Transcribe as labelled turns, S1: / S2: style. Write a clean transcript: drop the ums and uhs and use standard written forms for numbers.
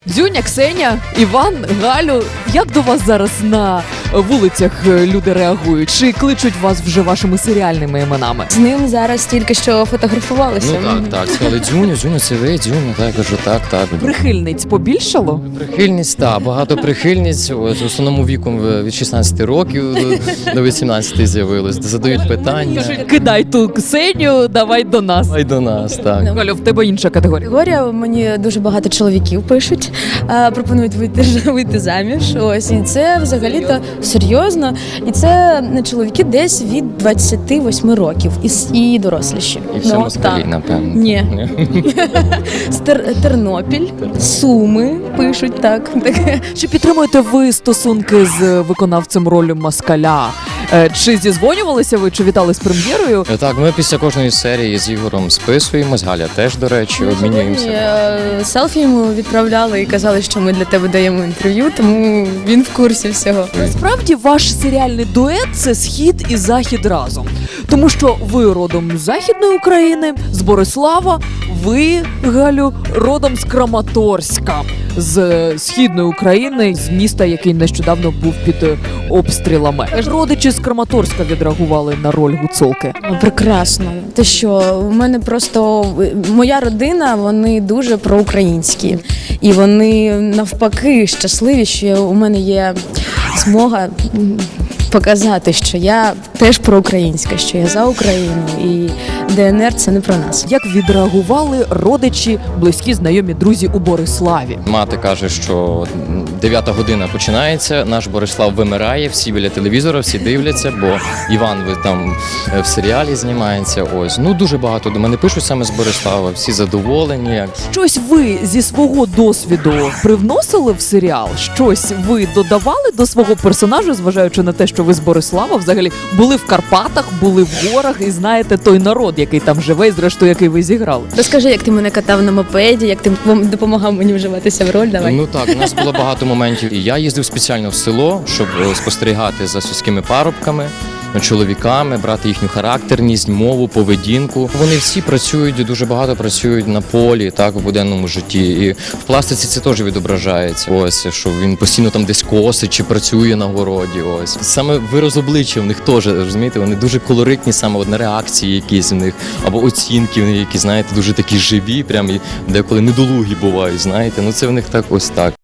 S1: Дзюня, Ксеня, Іван, Галю, як до вас зараз на вулицях люди реагують? Чи кличуть вас вже вашими серіальними іменами?
S2: З ним зараз тільки що фотографувалися.
S3: Ну так, сказали Дзюня, це ви, Дзюня, так, я кажу, так.
S1: Прихильниць побільшало?
S3: Прихильність, так, багато прихильниць, ось, в основному віком від 16 років до 18 з'явилось, задають питання.
S1: Кидай ту Ксеню, давай до нас.
S3: Ай до нас, так.
S1: Галю, в тебе інша категорія.
S2: Категорія, мені дуже багато чоловіків пишуть, пропонують вийти заміж. Ось, і це взагалі-то серйозно. І це чоловіки десь від 28 років і доросліші.
S3: І все москалі, напевно.
S2: Ні. Тернопіль, Суми пишуть, так.
S1: Чи підтримуєте ви стосунки з виконавцем ролі москаля? Чи зізвонювалися ви, чи вітали з прем'єрою?
S3: Так, ми після кожної серії з Ігорем списуємось, Галя теж, до речі, обмінюємося.
S2: Селфі йому відправляли і казали, що ми для тебе даємо інтерв'ю, тому він в курсі всього.
S1: Насправді ваш серіальний дует – це схід і захід разом. Тому що ви родом з Західної України, з Борислава, ви, Галю, родом з Краматорська, з Східної України, з міста, який нещодавно був під обстрілами. Родичі з Краматорська відреагували на роль гуцулки.
S2: Прекрасно. Те що, у мене просто моя родина, вони дуже проукраїнські. І вони навпаки щасливі, що у мене є змога показати, що я теж проукраїнська, що я за Україну, і ДНР – це не про нас.
S1: Як відреагували родичі, близькі, знайомі, друзі у Бориславі?
S3: Мати каже, що 9 година починається, наш Борислав вимирає, всі біля телевізора, всі дивляться, бо Іван там в серіалі знімається. Ось. Ну, дуже багато до мене пишуть саме з Борислава, всі задоволені.
S1: Щось ви зі свого досвіду привносили в серіал? Щось ви додавали до свого персонажа, зважаючи на те, що ви з Борислава взагалі були в Карпатах, були в горах і знаєте той народ, який там живе, і зрештою, який ви зіграли?
S2: Розкажи, як ти мене катав на мопеді, як ти допомагав мені вживатися в роль, давай.
S3: Ну так, у нас було багато моментів. І я їздив спеціально в село, щоб спостерігати за сільськими парубками, чоловіками, брати їхню характерність, мову, поведінку. Вони всі працюють, дуже багато працюють на полі, так, в буденному житті. І в пластиці це теж відображається. Ось, що він постійно там десь косить чи працює на городі. Ось. Саме вираз обличчя в них теж, розумієте, вони дуже колоритні, саме от на реакції якісь в них, або оцінки в них, які, знаєте, дуже такі живі, прям і деколи недолугі бувають, знаєте. Ну це в них так ось так.